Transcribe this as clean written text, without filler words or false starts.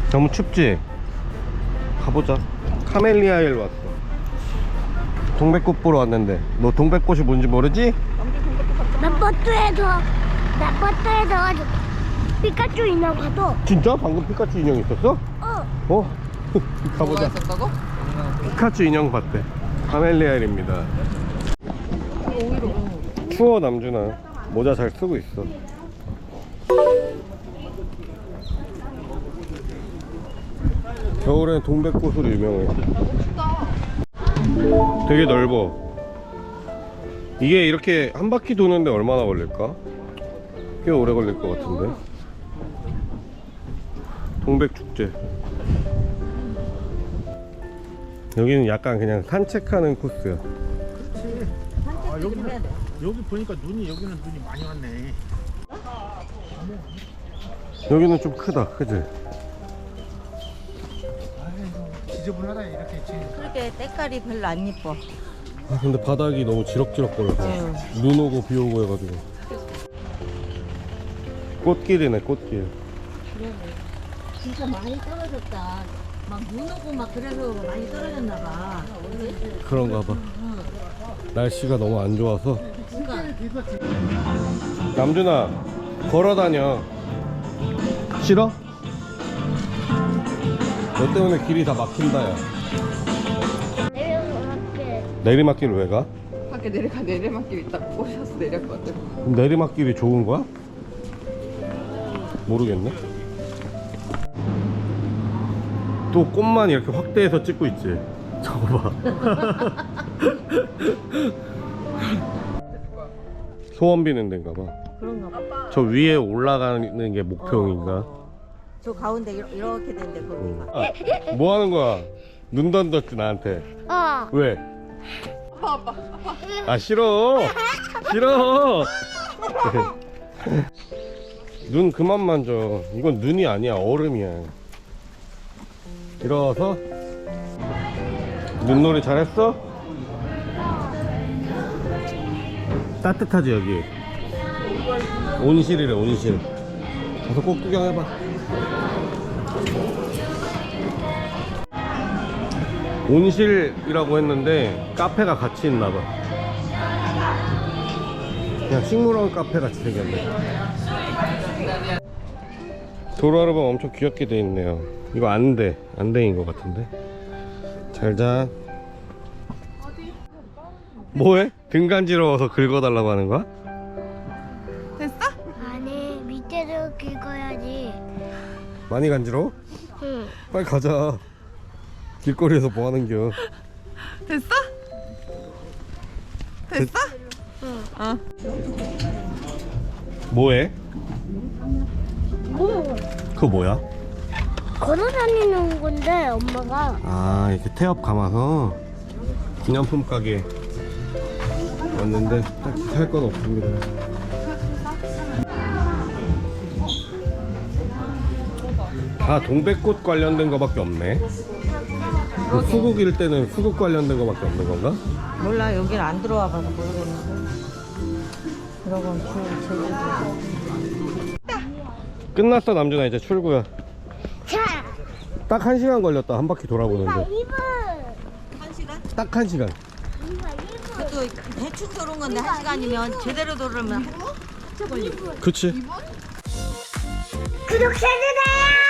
너무 춥지? 가보자. 카멜리아일 왔어. 동백꽃 보러 왔는데 너 동백꽃이 뭔지 모르지? 몇 버스에서 피카츄 인형 봐도. 진짜? 방금 피카츄 인형 있었어? 어? 가보자. 있었다고? 피카츄 인형 봤대. 카멜리아일입니다. 추워 남준아. 모자 잘 쓰고 있어. 겨울엔 동백꽃으로 유명해. 되게 넓어. 이게 이렇게 한 바퀴 도는데 얼마나 걸릴까? 꽤 오래 걸릴 것 같은데. 동백축제. 여기는 약간 그냥 산책하는 코스야. 아, 여기 보니까 여기는 눈이 많이 왔네. 여기는 좀 크다, 그지? 지저분하다 이렇게. 그렇게 때깔이 별로 안 예뻐. 아, 근데 바닥이 너무 지럭지럭거려서 눈 오고 비 오고 해가지고. 꽃길이네, 꽃길. 진짜 많이 떨어졌다. 막 눈 오고 막 그래서 많이 떨어졌나 봐. 그런가 봐. 날씨가 너무 안 좋아서. 남준아, 걸어다녀. 싫어? 너 때문에 길이 다 막힌다, 야. 내리막길 왜 가? 밖에 내리막길 있다고 꼬셔서 내렸거든. 그럼 내리막길이 좋은 거야? 모르겠네. 또 꽃만 이렇게 확대해서 찍고 있지. 저거 봐. 소원 비는 데인가 봐. 그런가 봐. 저 위에 올라가는 게 목표인가? 저 가운데 이렇게 된데 거기가. 아, 뭐 하는 거야? 눈 던졌지 나한테. 왜? 아 싫어. 싫어. 눈 그만 만져. 이건 눈이 아니야, 얼음이야. 일어서. 눈놀이 잘했어? 따뜻하지 여기. 온실이래, 온실. 가서 꼭 구경해봐. 온실이라고 했는데 카페가 같이 있나봐. 그냥 식물원 카페 같이 생겼네. 도로아르바 엄청 귀엽게 돼 있네요. 이거 안대인 것 같은데. 잘자. 뭐해? 등 간지러워서 긁어달라고 하는 거야? 아니, 밑에도 긁어야지. 많이 간지러워? 응. 빨리 가자. 길거리에서 뭐 하는겨? 됐어? 됐어? 응. 뭐해? 뭐? 그거 뭐야? 걸어 다니는 건데, 엄마가. 아, 이렇게 태엽 감아서 기념품 가게 왔는데 딱히 살 건 없습니다. 다 동백꽃 관련된 거밖에 없네. 그 수국일 때는 수국 관련된 거밖에 없는 건가? 몰라, 여길 안 들어와 봐서 모르겠는데. 그러고 제주도. 끝났어 남준아, 이제 출구야. 자, 딱 1시간 걸렸다, 한 바퀴 돌아보는데. 2분. 1시간? 딱 1시간. 그것도 대충 도는 건데 1시간이면 제대로 돌으면 한참 걸리고. 그치? 구독해주세요.